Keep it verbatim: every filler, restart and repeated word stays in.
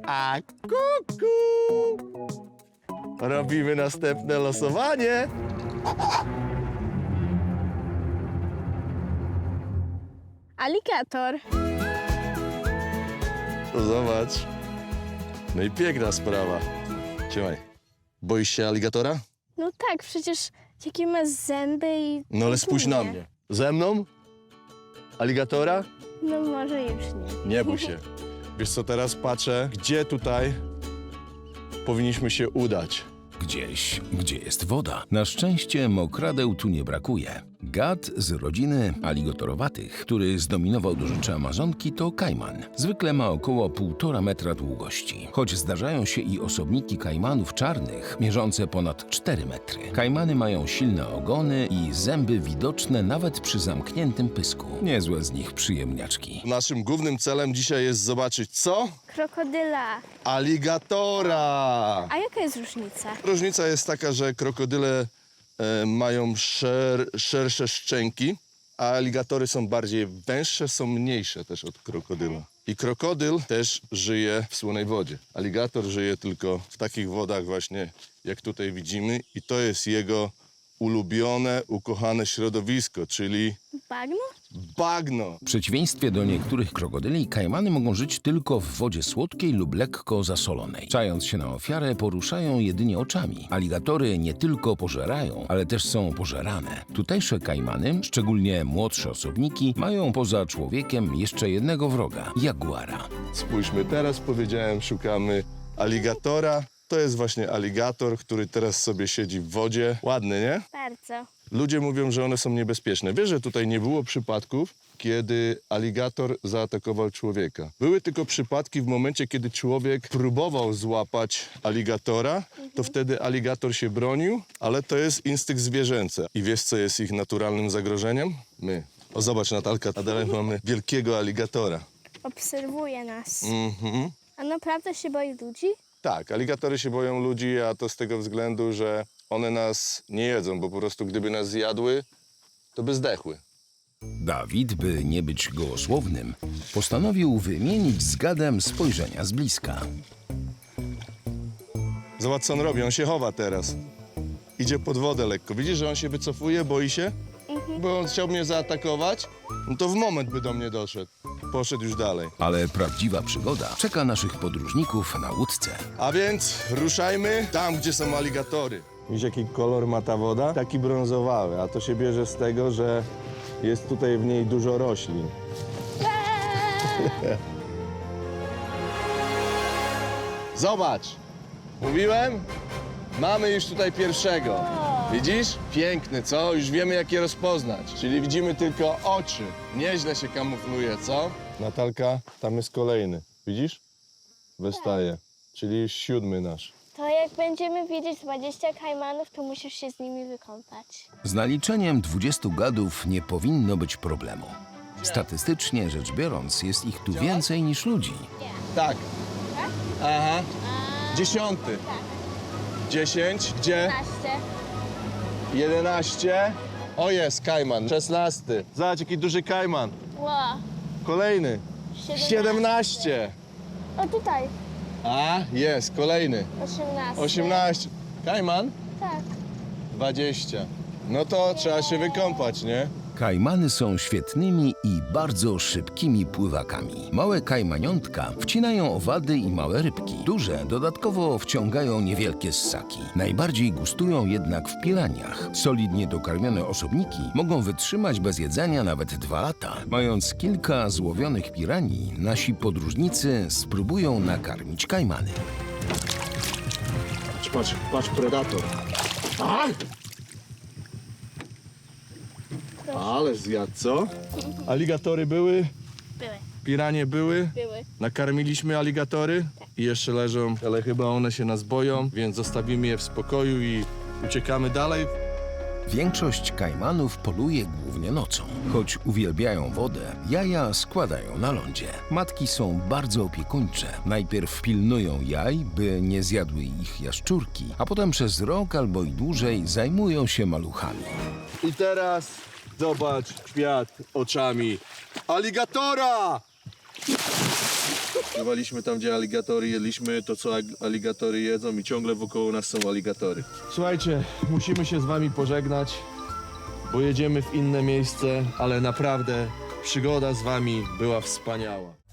A kuku! Robimy następne losowanie. Aligator. To zobacz. No i piękna sprawa. Trzymaj. Boisz się aligatora? No tak, przecież jakie ma zęby i... No ale spójrz na Nie. mnie. Ze mną? Aligatora? No może już nie. Nie bój się. Wiesz co, teraz patrzę, gdzie tutaj powinniśmy się udać. Gdzieś, gdzie jest woda. Na szczęście mokradeł tu nie brakuje. Gad z rodziny aligatorowatych, który zdominował do rzeczy Amazonki, to kajman. Zwykle ma około półtora metra długości. Choć zdarzają się i osobniki kajmanów czarnych, mierzące ponad cztery metry. Kajmany mają silne ogony i zęby widoczne nawet przy zamkniętym pysku. Niezłe z nich przyjemniaczki. Naszym głównym celem dzisiaj jest zobaczyć co? Krokodyla. Aligatora! A jaka jest różnica? Różnica jest taka, że krokodyle e, mają szer, szersze szczęki, a aligatory są bardziej węższe, są mniejsze też od krokodyla. I krokodyl też żyje w słonej wodzie. Aligator żyje tylko w takich wodach właśnie, jak tutaj widzimy, i to jest jego ulubione, ukochane środowisko, czyli Bagno? bagno. W przeciwieństwie do niektórych krokodyli, kajmany mogą żyć tylko w wodzie słodkiej lub lekko zasolonej. Czając się na ofiarę, poruszają jedynie oczami. Aligatory nie tylko pożerają, ale też są pożerane. Tutejsze kajmany, szczególnie młodsze osobniki, mają poza człowiekiem jeszcze jednego wroga – jaguara. Spójrzmy, teraz powiedziałem, szukamy aligatora. To jest właśnie aligator, który teraz sobie siedzi w wodzie. Ładny, nie? Bardzo. Ludzie mówią, że one są niebezpieczne. Wiesz, że tutaj nie było przypadków, kiedy aligator zaatakował człowieka. Były tylko przypadki w momencie, kiedy człowiek próbował złapać aligatora, to wtedy aligator się bronił, ale to jest instynkt zwierzęcy. I wiesz, co jest ich naturalnym zagrożeniem? My. O, zobacz, Natalka, a dalej mamy wielkiego aligatora. Obserwuje nas. Mhm. A naprawdę się boi ludzi? Tak, aligatory się boją ludzi, a to z tego względu, że one nas nie jedzą, bo po prostu gdyby nas zjadły, to by zdechły. Dawid, by nie być gołosłownym, postanowił wymienić z gadem spojrzenia z bliska. Zobacz, co on robi, on się chowa teraz. Idzie pod wodę lekko. Widzisz, że on się wycofuje, boi się? Bo on chciał mnie zaatakować, no to w moment by do mnie doszedł. Poszedł już dalej. Ale prawdziwa przygoda czeka naszych podróżników na łódce. A więc ruszajmy tam, gdzie są aligatory. Widzisz, jaki kolor ma ta woda? Taki brązowały, a to się bierze z tego, że jest tutaj w niej dużo roślin. Zobacz! Mówiłem? Mamy już tutaj pierwszego. Widzisz? Piękny, co? Już wiemy, jak je rozpoznać. Czyli widzimy tylko oczy. Nieźle się kamufluje, co? Natalka, tam jest kolejny. Widzisz? Wystaje. Czyli już siódmy nasz. To jak będziemy widzieć dwadzieścia kajmanów, to musisz się z nimi wykąpać. Z naliczeniem dwudziestu gadów nie powinno być problemu. Statystycznie rzecz biorąc, jest ich tu więcej niż ludzi. Tak. Aha. Dziesiąty. Dziesięć. Gdzie? Naście. Jedenaście. O, jest kajman. Szesnasty. Zobacz, jaki duży kajman. Ło. Kolejny. Siedemnaście. Siedemnaście. O tutaj. A, jest, kolejny. Osiemnaście. Osiemnaście. Kajman? Tak. Dwadzieścia. No to trzeba się wykąpać, nie? Kajmany są świetnymi i bardzo szybkimi pływakami. Małe kajmaniątka wcinają owady i małe rybki. Duże dodatkowo wciągają niewielkie ssaki. Najbardziej gustują jednak w piraniach. Solidnie dokarmione osobniki mogą wytrzymać bez jedzenia nawet dwa lata. Mając kilka złowionych piranii, nasi podróżnicy spróbują nakarmić kajmany. Patrz, patrz, patrz, predator. A! Ale zjadł, co? Aligatory były, Były. piranie były. Były. Nakarmiliśmy aligatory i jeszcze leżą, ale chyba one się nas boją, więc zostawimy je w spokoju i uciekamy dalej. Większość kajmanów poluje głównie nocą. Choć uwielbiają wodę, jaja składają na lądzie. Matki są bardzo opiekuńcze. Najpierw pilnują jaj, by nie zjadły ich jaszczurki, a potem przez rok albo i dłużej zajmują się maluchami. I teraz zobacz świat oczami aligatora! Pływaliśmy tam, gdzie aligatory jedliśmy, to co ag- aligatory jedzą i ciągle wokoło nas są aligatory. Słuchajcie, musimy się z wami pożegnać, bo jedziemy w inne miejsce, ale naprawdę przygoda z wami była wspaniała.